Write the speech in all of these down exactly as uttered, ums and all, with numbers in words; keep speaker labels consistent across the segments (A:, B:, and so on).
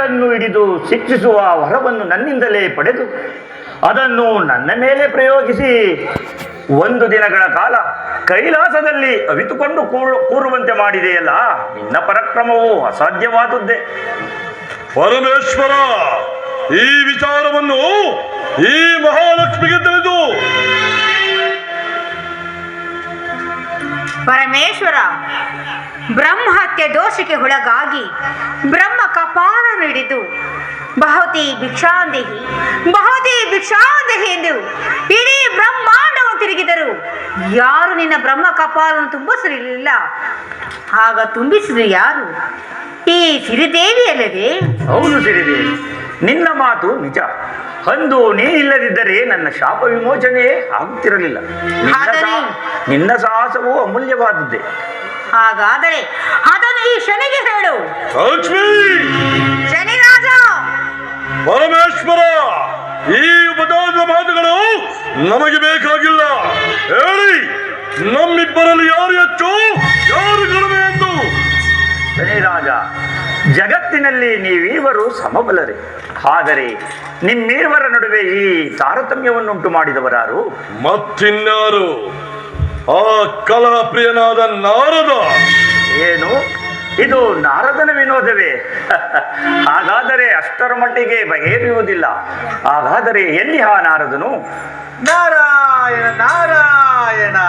A: ಶನಿಗಳನ್ನು ಹಿಡಿದು ಶಿಕ್ಷಿಸುವ ವರವನ್ನು ನನ್ನಿಂದಲೇ ಪಡೆದು ಅದನ್ನು ನನ್ನ ಮೇಲೆ ಪ್ರಯೋಗಿಸಿ ಒಂದು ದಿನಗಳ ಕಾಲ ಕೈಲಾಸದಲ್ಲಿ ಅವಿತುಕೊಂಡು ಕೂರು ಕೂರುವಂತೆ ಮಾಡಿದೆಯಲ್ಲ, ನಿನ್ನ ಪರಾಕ್ರಮವು ಅಸಾಧ್ಯವಾದದ್ದೇ.
B: ಪರಮೇಶ್ವರ, ಈ ವಿಚಾರವನ್ನು ಈ ಮಹಾಲಕ್ಷ್ಮಿಗೆ ತಿಳಿದು.
C: ಪರಮೇಶ್ವರ, ಬ್ರಹ್ಮಹತ್ಯೆ ದೋಷಕ್ಕೆ ಒಳಗಾಗಿ ಬ್ರಹ್ಮ ಕಪಾಲ ಹಿಡಿದು ಬಹುತಿ ಭಿಕ್ಷಾಂದೇಹಿ ಬಹುತಿ ಭಿಕ್ಷಾಂದೇಹಿ ಎಂದು ಇಡೀ ಬ್ರಹ್ಮಾಂಡವನ್ನು ತಿರುಗಿದರು ಯಾರು ನಿನ್ನ ಬ್ರಹ್ಮ ಕಪಾಲನ್ನು ತುಂಬಿಸಲಿಲ್ಲ. ಆಗ ತುಂಬಿಸಿದ ಯಾರು? ಈ ಸಿರಿದೇವಿ ಅಲ್ಲವೇ?
A: ಹೌದು ಸಿರಿದೇವಿ, ನಿನ್ನ ಮಾತು ನಿಜ. ಅಂದು ನೀನಿಲ್ಲದಿದ್ದರೆ ನನ್ನ ಶಾಪ ವಿಮೋಚನೆ ಆಗುತ್ತಿರಲಿಲ್ಲ. ನಿನ್ನ ಸಾಹಸವು ಅಮೂಲ್ಯವಾದದ್ದೇ.
C: ಹಾಗಾದರೆ ಅದನ್ನು ಈ ಶನಿಗೆ ಹೇಳು.
B: ಲಕ್ಷ್ಮೀ,
C: ಶನಿರಾಜ,
B: ಪರಮೇಶ್ವರ, ಈ ಉಪದಾನದ ಮಾತುಗಳು ನಮಗೆ ಬೇಕಾಗಿಲ್ಲ. ಹೇಳಿ, ನಮ್ಮಿಬ್ಬರಲ್ಲಿ ಯಾರು ಹೆಚ್ಚು ಯಾರು ಕಡಿಮೆ ಎಂದು.
A: ಶನಿರಾಜ, ಜಗತ್ತಿನಲ್ಲಿ ನೀವೀವರು ಸಮಬಲರೇ. ಆದರೆ ನಿಮ್ಮೀರ್ವರ ನಡುವೆ ಈ ತಾರತಮ್ಯವನ್ನುಂಟು ಮಾಡಿದವರಾರು?
B: ಮತ್ತಿನ್ಯಾರು? ಆ ಕಲಹ ಪ್ರಿಯನಾದ ನಾರದ.
A: ಏನು, ಇದು ನಾರದನ ವಿನೋದವೇ? ಹಾಗಾದರೆ ಅಷ್ಟರ ಮಟ್ಟಿಗೆ ಬಗೆಹರಿಯುವುದಿಲ್ಲ. ಹಾಗಾದರೆ ಎಲ್ಲಿ ಆ ನಾರದನು?
D: ನಾರಾಯಣ ನಾರಾಯಣ.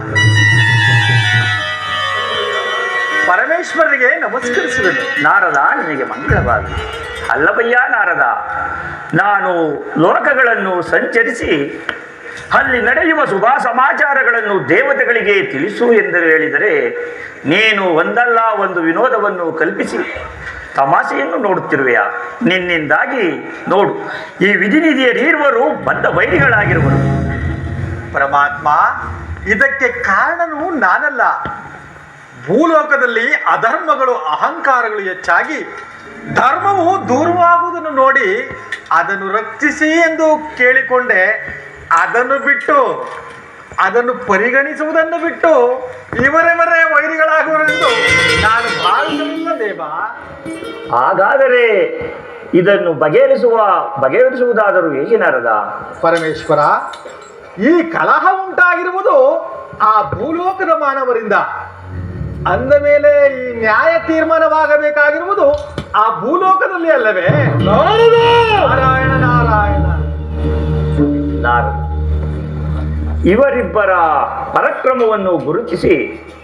D: ಪರಮೇಶ್ವರನಿಗೆ ನಮಸ್ಕರಿಸುವೆನು.
A: ನಾರದ, ನಿನಗೆ ಮಂಗಳವಾಗಲಿ. ಅಲ್ಲವಯ್ಯ ನಾರದ, ನಾನು ಲೋಕಗಳನ್ನು ಸಂಚರಿಸಿ ಅಲ್ಲಿ ನಡೆಯುವ ಶುಭ ಸಮಾಚಾರಗಳನ್ನು ದೇವತೆಗಳಿಗೆ ತಿಳಿಸು ಎಂದು ಹೇಳಿದರೆ ನೀನು ಒಂದಲ್ಲ ಒಂದು ವಿನೋದವನ್ನು ಕಲ್ಪಿಸಿ ತಮಾಷೆಯನ್ನು ನೋಡುತ್ತಿರುವೆಯ. ನಿನ್ನಿಂದಾಗಿ ನೋಡು, ಈ ವಿಧಿನಿಧಿಯರೀರ್ವರು ಬದ್ಧ ವೈರಿಗಳಾಗಿರುವರು.
D: ಪರಮಾತ್ಮ, ಇದಕ್ಕೆ ಕಾರಣನು ನಾನಲ್ಲ. ಭೂಲೋಕದಲ್ಲಿ ಅಧರ್ಮಗಳು ಅಹಂಕಾರಗಳು ಹೆಚ್ಚಾಗಿ ಧರ್ಮವು ದೂರವಾಗುವುದನ್ನು ನೋಡಿ ಅದನ್ನು ರಕ್ಷಿಸಿ ಎಂದು ಕೇಳಿಕೊಂಡೆ. ಅದನ್ನು ಬಿಟ್ಟು ಅದನ್ನು ಪರಿಗಣಿಸುವುದನ್ನು ಬಿಟ್ಟು ಇವರೆವರೇ ವೈರಿಗಳಾಗುವರೆಂದು ನಾನು ಭಾವಿಸಲಿಲ್ಲ ದೇವ.
A: ಹಾಗಾದರೆ ಇದನ್ನು ಬಗೆಹರಿಸುವ ಬಗೆಹರಿಸುವುದಾದರೂ ಹೇಗೆ ನಾರದ?
D: ಪರಮೇಶ್ವರ, ಈ ಕಲಹ ಉಂಟಾಗಿರುವುದು ಆ ಭೂಲೋಕದ ಮಾನವರಿಂದ. ಅಂದ ಮೇಲೆ ಈ ನ್ಯಾಯ ತೀರ್ಮಾನವಾಗಬೇಕಾಗಿರುವುದು ಆ ಭೂಲೋಕದಲ್ಲಿ ಅಲ್ಲವೇ? ನಾರಾಯಣ ನಾರಾಯಣ.
A: ನಾರದ, ಇವರಿಬ್ಬರ ಪರಾಕ್ರಮವನ್ನು ಗುರುತಿಸಿ.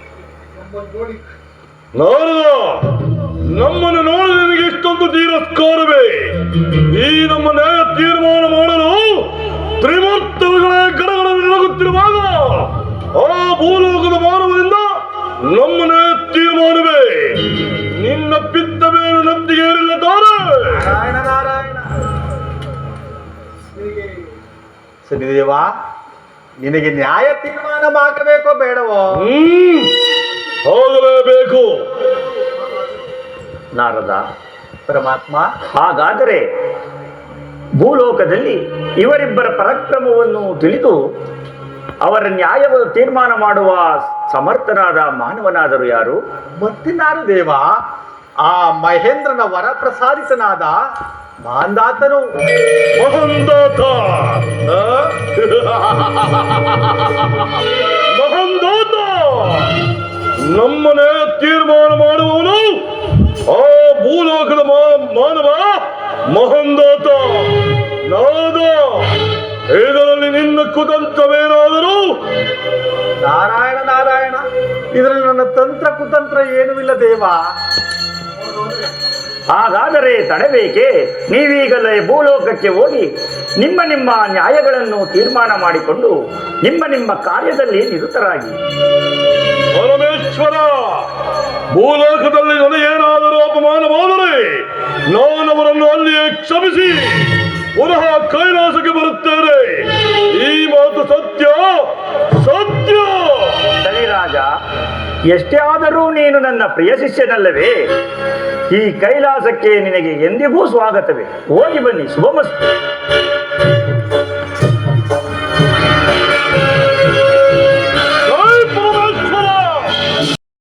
B: ನಾರದ, ನಮ್ಮನ್ನು ನೋಡಿ ನಿನಗೆ ಇಷ್ಟೊಂದು ತಿರಸ್ಕಾರವೇ? ಈ ನಮ್ಮ ನ್ಯಾಯ ತೀರ್ಮಾನ ಮಾಡಲು ತ್ರಿಮೂರ್ತಗಳೇ ಗಡಗಳನ್ನು ನಿಲಗುತ್ತಿರುವಾಗ ಆ ಭೂಲೋಕದ ಮಾನವರಿಂದ ನಮ್ಮ ನ್ಯಾಯ ತೀರ್ಮಾನವೇ ನಿನ್ನ ಪಿತ್ತ ಮೇಲೆ ನಂಬಿಕೆ ಏರಿಲ್ಲ ತಾರೆ.
D: ನಾರಾಯಣ ನಾರಾಯಣ. ಶನಿದೇವ, ನಿನಗೆ ನ್ಯಾಯ ತೀರ್ಮಾನ ಮಾಡಬೇಕೋ ಬೇಡವೋ?
B: ಹ್ಮ್ ಹೋಗಲೇಬೇಕು.
A: ನಾರದ,
D: ಪರಮಾತ್ಮ,
A: ಹಾಗಾದರೆ ಭೂಲೋಕದಲ್ಲಿ ಇವರಿಬ್ಬರ ಪರಾಕ್ರಮವನ್ನು ತಿಳಿದು ಅವರ ನ್ಯಾಯವ ತೀರ್ಮಾನ ಮಾಡುವ ಸಮರ್ಥನಾದ ಮಾನವನಾದರು ಯಾರು?
D: ಮತ್ತಿನಾರು ದೇವ? ಆ ಮಹೇಂದ್ರನ ವರ ಪ್ರಸಾದಿತನಾದ ಮಾಂದಾತನು.
B: ಮಹಂದಾತ ಮಹಂದಾತ ನಮ್ಮನೆ ತೀರ್ಮಾನ ಮಾಡುವವನು ಆ ಭೂಲೋಕದ ಮಾನವ ಮಹಂದಾತ. ನಾರದ, ಇದರಲ್ಲಿ ನಿನ್ನ ಕುತಂತ್ರವೇನಾದರೂ?
D: ನಾರಾಯಣ ನಾರಾಯಣ, ಇದರಲ್ಲಿ ನನ್ನ ತಂತ್ರ ಕುತಂತ್ರ ಏನೂ ಇಲ್ಲ ದೇವ.
A: ಹಾಗಾದರೆ ತಡಬೇಕೆ? ನೀವೀಗಲೇ ಭೂಲೋಕಕ್ಕೆ ಹೋಗಿ ನಿಮ್ಮ ನಿಮ್ಮ ನ್ಯಾಯಗಳನ್ನು ತೀರ್ಮಾನ ಮಾಡಿಕೊಂಡು ನಿಮ್ಮ ನಿಮ್ಮ ಕಾರ್ಯದಲ್ಲಿ ನಿರತರಾಗಿ.
B: ಪರಮೇಶ್ವರ, ಭೂಲೋಕದಲ್ಲಿ ನನಗೇನಾದರೂ ಅಪಮಾನವಾದರೆ ನಾನು ಅವರನ್ನು ಅಲ್ಲಿಯೇ ಕ್ಷಮಿಸಿ ಪುನಃ ಕೈಲಾಸಕ್ಕೆ ಬರುತ್ತೇನೆ. ಈ ಮಾತು ಸತ್ಯ ಸತ್ಯ.
A: ಶನಿರಾಜ, ಎಷ್ಟೇ ಆದರೂ ನೀನು ನನ್ನ ಪ್ರಿಯ ಶಿಷ್ಯನಲ್ಲವೇ? ಈ ಕೈಲಾಸಕ್ಕೆ ನಿನಗೆ ಎಂದಿಗೂ ಸ್ವಾಗತವೇ. ಹೋಗಿ ಬನ್ನಿ. ಶುಭಮಸ್ತು.